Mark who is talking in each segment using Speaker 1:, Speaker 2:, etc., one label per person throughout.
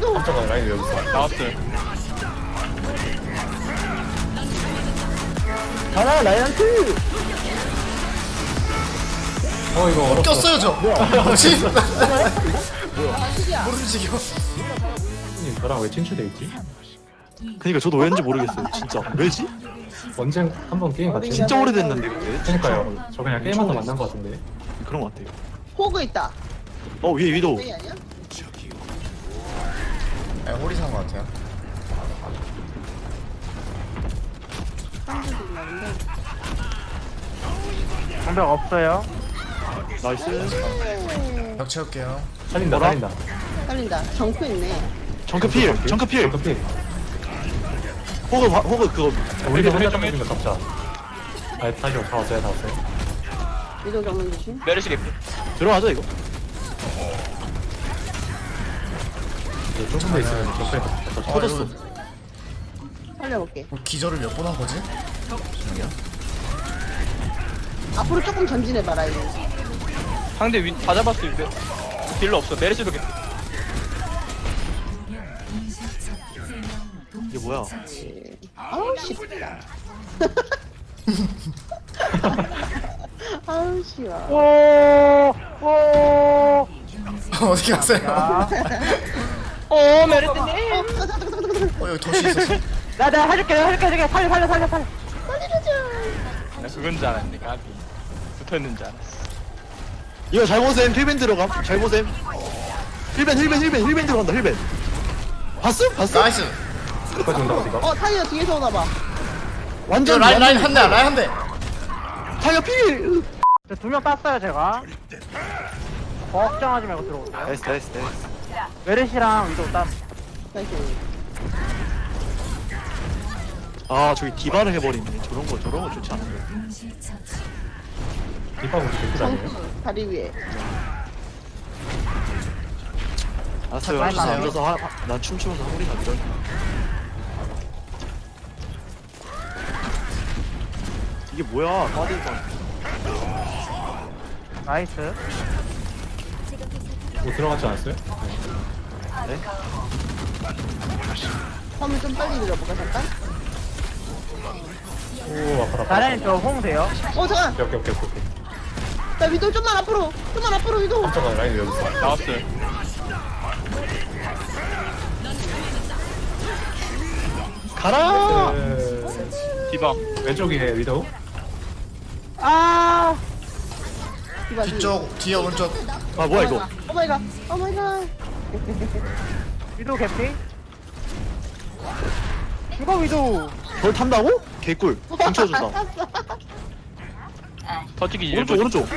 Speaker 1: 깜짝아 라인 여기 있어.
Speaker 2: 나왔어요.
Speaker 3: 가라 라이언트.
Speaker 1: 이거 어렵다.
Speaker 4: 꼈어요 저. 뭐지?
Speaker 5: 실이야.
Speaker 4: 모르지겨.
Speaker 1: 형님 저랑 왜 친추돼 있지?
Speaker 3: 그니까 저도 왠지 모르겠어요. 진짜 왜지?
Speaker 1: 언제 한번 게임 같이
Speaker 3: 진짜 오래됐는데 근데.
Speaker 1: 그러니까요. 저 그냥 게임하다 만난 것 같은데.
Speaker 3: 그런 것 같아요.
Speaker 5: 호그 있다.
Speaker 3: 위에 위도.
Speaker 5: 왜 아니야?
Speaker 4: 아, 홀이 산거 같아요.
Speaker 5: 빵도 있나 본데.
Speaker 6: 방벽 없어요.
Speaker 3: 나이스.
Speaker 4: 벽 채울게요.
Speaker 1: 살린다
Speaker 3: 뭐라?
Speaker 1: 살린다.
Speaker 5: 살린다. 정크 있네.
Speaker 3: 정크필. 정크필.
Speaker 1: 커피.
Speaker 3: 호그 그거.
Speaker 1: 우리도
Speaker 2: 좀
Speaker 1: 혼자
Speaker 2: 해.
Speaker 1: 던지면 덮자. 다시 다 왔어요 다 왔어요.
Speaker 5: 위도 정면 조심.
Speaker 2: 메르시 개피.
Speaker 3: 들어가자 이거.
Speaker 1: 이제 좁은 데 있으면 적배 덮쳐.
Speaker 3: 터졌어.
Speaker 5: 살려볼게.
Speaker 4: 기절을 몇 번 한 거지?
Speaker 5: 앞으로 조금 전진해봐라 이거.
Speaker 2: 상대 다 잡았어 이제. 딜러 없어. 메르시도 개피.
Speaker 3: 이게 뭐야?
Speaker 5: 아우 쉽다. 아우 쉬워.
Speaker 6: 오.
Speaker 4: 어디 갔어요?
Speaker 2: 메르시님.
Speaker 4: 여기 덫이 있었어.
Speaker 6: 내가 해줄게. 살려.
Speaker 2: 나 그건 줄 알았네. 까비. 붙어있는 줄 알았어.
Speaker 3: 이거 잘못쌤 힐벤 들어감. 잘못쌤. 힐벤 들어간다. 힐벤. 봤어?
Speaker 4: 나이스.
Speaker 1: 끝까지 온다 어디가?
Speaker 5: 타이어 뒤에서 오나봐.
Speaker 4: 저
Speaker 3: 완전
Speaker 4: 라인 한 대, 라인 한 대.
Speaker 3: 타이어 필.
Speaker 6: 2명 땄어요 제가. 걱정하지 말고 들어오세요.
Speaker 3: 나이스.
Speaker 6: 메르시랑 위도 땀.
Speaker 5: 나이스.
Speaker 3: 아 저기 디바를 해버리네. 저런 거 좋지 않은데.
Speaker 1: 뒷방 우리 개꿀 아니에요?
Speaker 5: 정크 다리 위에.
Speaker 3: 알았어요.
Speaker 4: 라인
Speaker 3: 난
Speaker 4: 나와요.
Speaker 3: 앉아서 난 춤추면서 허리가 밀어. 이게 뭐야? 빠질까?
Speaker 6: 나이스.
Speaker 1: 뭐 들어갔지 않았어요?
Speaker 3: 네?
Speaker 5: 화면 좀 빨리 밀어볼까 잠깐?
Speaker 1: 오 아파라.
Speaker 6: 나란히 저홍 돼요.
Speaker 5: 잠깐.
Speaker 1: 오케이.
Speaker 5: 나 위도 좀만 앞으로 위도.
Speaker 1: 깜짝아 라인 여기 있어.
Speaker 2: 나왔어요.
Speaker 3: 가라.
Speaker 2: 디바.
Speaker 1: 왼쪽에 위도우.
Speaker 6: 아.
Speaker 5: 디바
Speaker 4: 뒤쪽, 뒤에 오른쪽.
Speaker 3: 아 뭐야 이거?
Speaker 5: 오마이갓.
Speaker 6: 위도 개피. 이거 위도.
Speaker 3: 뭘 탐다고? 개꿀. 훔쳐준다.
Speaker 2: 터지기
Speaker 3: 오른쪽
Speaker 2: 일부.
Speaker 3: 오른쪽.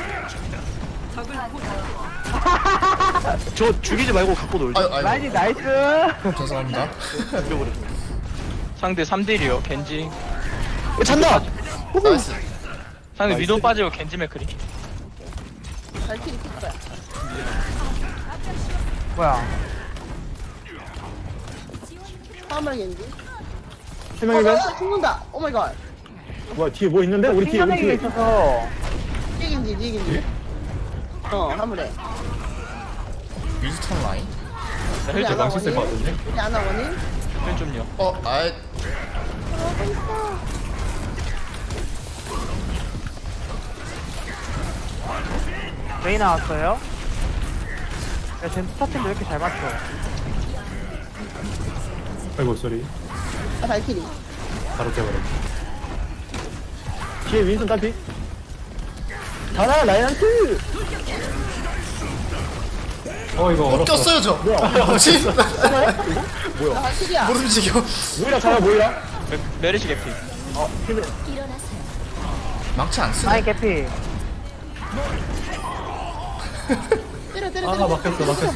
Speaker 3: 저 죽이지 말고 갖고 놀자.
Speaker 4: 아유,
Speaker 6: 라인이 나이스.
Speaker 4: 죄송합니다.
Speaker 3: 죽여버려.
Speaker 2: 상대 3대1이요. 겐지.
Speaker 3: 잔다.
Speaker 4: 나이스.
Speaker 2: 상대
Speaker 3: 나이스.
Speaker 2: 위도 빠지고 겐지 맥크리.
Speaker 5: 발키리 킬 거야.
Speaker 6: 뭐야?
Speaker 5: 파마겐지.
Speaker 3: 세 명이면?
Speaker 5: 죽는다. 오마이갓.
Speaker 3: 뭐야 뒤에 뭐 있는데? 우리 뒤에
Speaker 6: 핑계내기가 있어서.
Speaker 5: 뒤긴지. 화물에.
Speaker 4: 윈스턴 라인.
Speaker 5: 우리
Speaker 2: 헬즈
Speaker 5: 아나
Speaker 1: 망치 쓸것
Speaker 5: 원인.
Speaker 1: 같은데?
Speaker 5: 우리 아나 원인.
Speaker 2: 좀요.
Speaker 4: 아이.
Speaker 6: 메이 나왔어요. 야, 쟤 스타팅도 왜 이렇게 잘 맞춰?
Speaker 1: 아이고 쏘리.
Speaker 5: 발키리.
Speaker 1: 바로 깨버려.
Speaker 3: 뒤에 윈슨 딸피. 가라 라이언트.
Speaker 1: 이거 어렵다.
Speaker 4: 꼈어요 저. 뭐지?
Speaker 5: 나 발키리야.
Speaker 4: 모르지겨.
Speaker 3: 모이라 잡아 모이라.
Speaker 2: 메르시 개피.
Speaker 4: 망치 안 쓰네.
Speaker 6: 라인 개피.
Speaker 5: 때려.
Speaker 1: 아 막혔어.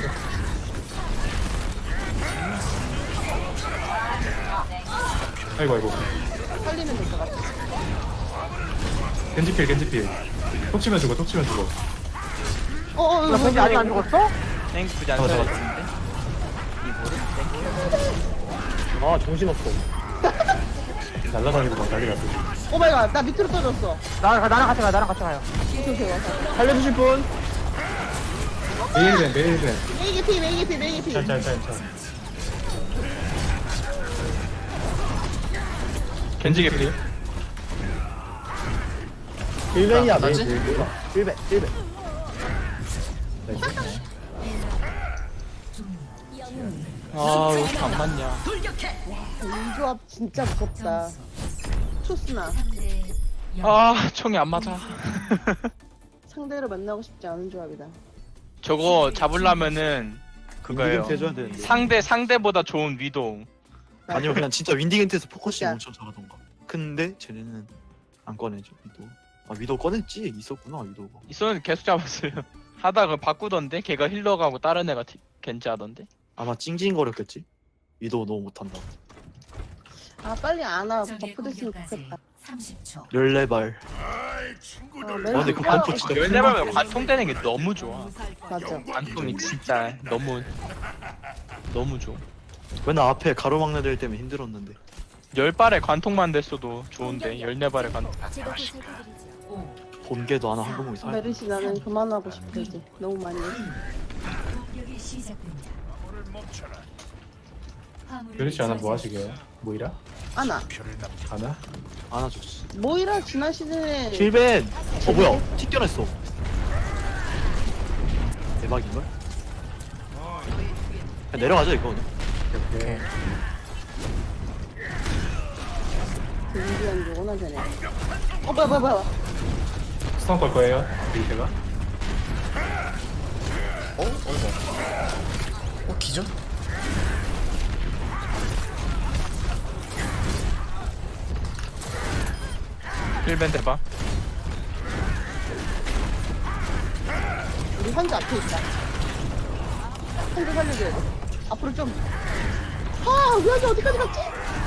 Speaker 1: 아이고.
Speaker 5: 살리면 될 것 같아.
Speaker 1: 겐지필. 톡 치면 죽어.
Speaker 6: 나 왠지 아직 안 죽었어?
Speaker 2: 땡큐 굳이 안
Speaker 1: 잡아,
Speaker 2: 써야
Speaker 1: 잡아.
Speaker 2: 되는데.
Speaker 3: 아 정신없어.
Speaker 1: 날라다니고 막 난리 났어.
Speaker 5: 오마이갓. 나 밑으로 떨어졌어.
Speaker 6: 나랑 같이 가요.
Speaker 5: 오케이 와서.
Speaker 3: 살려주실 분?
Speaker 1: 메일벤.
Speaker 5: 메이게피.
Speaker 1: 짤.
Speaker 2: 겐지 개피.
Speaker 1: 일벤이야
Speaker 4: 나지?
Speaker 1: 일벤.
Speaker 2: 아, 왜 이렇게 안 맞냐.
Speaker 5: 이 조합 진짜 무섭다. 초스나
Speaker 2: 아, 총이 안 맞아.
Speaker 5: 상대로 만나고 싶지 않은 조합이다.
Speaker 2: 저거 잡으려면은 그거예요.
Speaker 3: 윈디겐트 해줘야 되는데.
Speaker 2: 상대보다 좋은 위도우.
Speaker 3: 아니요 그냥 진짜 윈디겐트에서 포커싱
Speaker 5: 진짜.
Speaker 3: 엄청 잘하던가. 근데 쟤네는 안 꺼내죠 위도. 아 위도 꺼냈지 있었구나 위도가.
Speaker 2: 있었는데 계속 잡았어요. 하다가 바꾸던데 걔가 힐러 가고 다른 애가 겐지 하던데.
Speaker 3: 아마 찡찡거렸겠지. 위도 너무 못한다.
Speaker 5: 아 빨리 안아 버프 됐으면 좋겠다.
Speaker 7: 30초.
Speaker 3: 14발. 근데 그 관통 진짜
Speaker 2: 왜냐면 관통되는 게 너무 좋아.
Speaker 5: 맞아.
Speaker 2: 관통이 진짜 너무 좋아.
Speaker 3: 맨날 앞에 가로막는 애 때문에 힘들었는데.
Speaker 2: 10발에 관통만 됐어도 좋은데 14발에 관통.
Speaker 3: 본계도 하나 항공이 살.
Speaker 5: 메르시 나는 그만하고 싶어 이제. 너무 많이 했어.
Speaker 7: 공격이 시작됩니다.
Speaker 1: 그렇지 않아 뭐 하시게요? 모이라?
Speaker 5: 안아.
Speaker 1: 하나?
Speaker 3: 안아줬어.
Speaker 5: 모이라 지난 시즌에
Speaker 3: 힐벤. 뭐야? 튀겨냈어. 대박인걸? 그냥 내려가자 이거.
Speaker 1: 오케이.
Speaker 5: 인디언 게 원하잖아. 뭐야.
Speaker 1: 스턴 걸 거예요? 제가?
Speaker 4: 기절?
Speaker 2: 힐밴 대박.
Speaker 5: 우리 환자 앞에 있다. 환자 살려줘야 돼. 앞으로 좀. 아, 우리 환자 어디까지 갔지?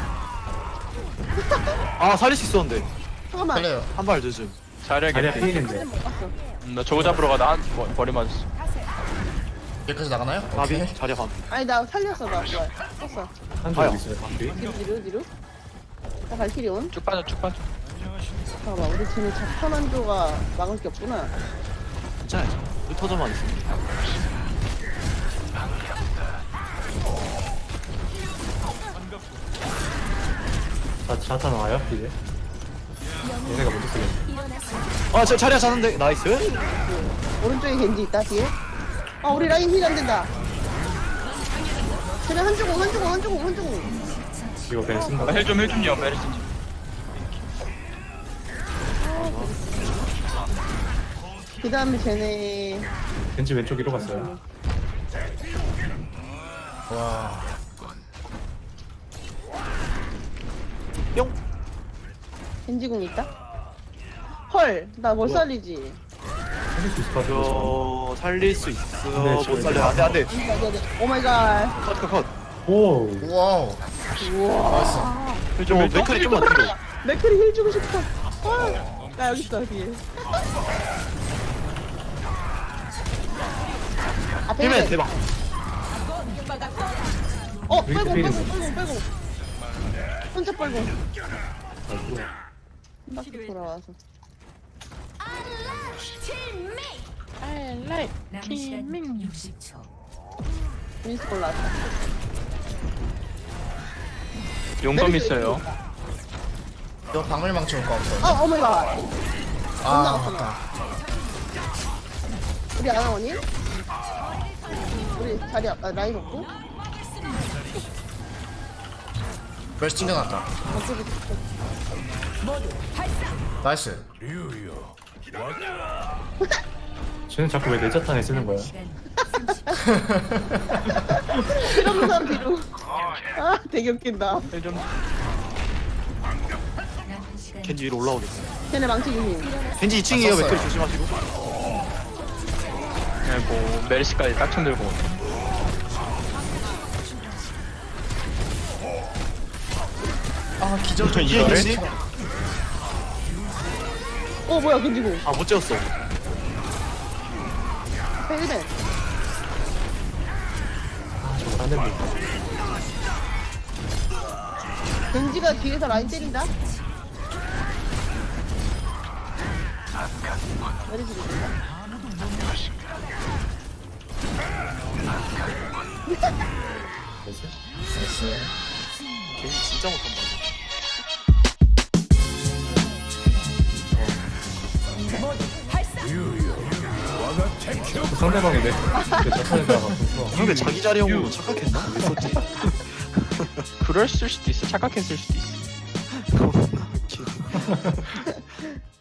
Speaker 3: 아 살릴 수 있었는데
Speaker 5: 잠깐만.
Speaker 4: 달려요.
Speaker 3: 한 발 늦음.
Speaker 2: 자리야
Speaker 1: 자리야
Speaker 2: 개피.
Speaker 1: 피해인데.
Speaker 5: 못 봤어.
Speaker 2: 나 저거 잡으러 가다 머리 맞았어.
Speaker 4: 여기까지 나가나요?
Speaker 3: 나비
Speaker 4: 오케이.
Speaker 3: 자리야 반.
Speaker 5: 아니 나 살렸어 나 그걸. 썼어.
Speaker 1: 한
Speaker 3: 아야.
Speaker 1: 줄 있어요 방비.
Speaker 5: 뒤로. 나 발키리 온.
Speaker 2: 쭉 빠져.
Speaker 5: 봐봐 우리 쟤네 자판 한조가 막을 게 없구나.
Speaker 3: 괜찮아요. 흩어져만 있으면.
Speaker 1: 자타 나와요 이제. 얘네가 먼저 쓰겠네.
Speaker 3: 아저 자리야 자는데 나이스.
Speaker 5: 오른쪽에 겐지 있다 뒤에. 아 우리 라인 힐 안 된다. 쟤네 한조공.
Speaker 1: 이거 그냥 쓴다.
Speaker 2: 힐 좀요 메르시.
Speaker 5: 그 다음에 쟤네
Speaker 1: 벤치 왼쪽 위로 갔어요.
Speaker 4: 와.
Speaker 3: 뿅.
Speaker 5: 겐지공 있다. 헐 나 못 살리지.
Speaker 1: 살릴 수 있을 것 같은데.
Speaker 3: 저 살릴 수 있어.
Speaker 1: 네,
Speaker 3: 못
Speaker 1: 저기
Speaker 3: 살려. 안돼 안돼.
Speaker 5: 오 마이 갓.
Speaker 3: 컷.
Speaker 1: 오.
Speaker 4: 와우.
Speaker 5: 우와.
Speaker 3: 좀 맥클이 좀만 뒤로.
Speaker 5: 맥클이 힐 주고 싶어. 나 여기 있어 뒤에. 앞에
Speaker 3: 힐맨
Speaker 5: 힐.
Speaker 3: 대박.
Speaker 5: 빼고. 혼자 빨고. 한 바퀴 돌아와서.
Speaker 7: 남은 시간 60초.
Speaker 5: 미니스 골 나왔다.
Speaker 2: 용검 있어요.
Speaker 4: 너 방울망치 올거 없어.
Speaker 5: 오 마이 갓.
Speaker 4: 아, 맞다.
Speaker 5: 우리 아나원이? 우리 자리 라인 없고?
Speaker 4: 벌써 튕겨놨다.
Speaker 5: 어쩌고
Speaker 4: 나이스.
Speaker 1: 쟤는 자꾸 왜 내 자탄에 쓰는 거야?
Speaker 7: 시간
Speaker 5: 이런 사람 뒤로. 아 되게 웃긴다.
Speaker 2: 힐 좀.
Speaker 7: 남은 시간
Speaker 3: 겐지 위로 올라오겠어.
Speaker 5: 쟤네 망치 유민.
Speaker 3: 겐지 2층이에요.
Speaker 4: 썼어요.
Speaker 3: 맥클 조심하시고.
Speaker 2: 뭐 메르시까지 딱총 들고.
Speaker 4: 아, 기절.
Speaker 3: 저 이해 겐지?
Speaker 5: 뭐야 겐지고.
Speaker 3: 아못 재웠어.
Speaker 5: 앞에 1벤.
Speaker 1: 저거 안 됩니다.
Speaker 5: 겐지가 뒤에서 라인 때린다. 메리지 된다.
Speaker 1: 됐어?
Speaker 4: 나이스.
Speaker 3: 겐지 진짜 못한다.
Speaker 1: 상대방이 내 자탄에다가 붙어.
Speaker 3: 상대 자기 자리형으로 착각했나? 왜 썼지?
Speaker 2: 그럴 수도 있어. 착각했을 수도 있어.
Speaker 3: 그치.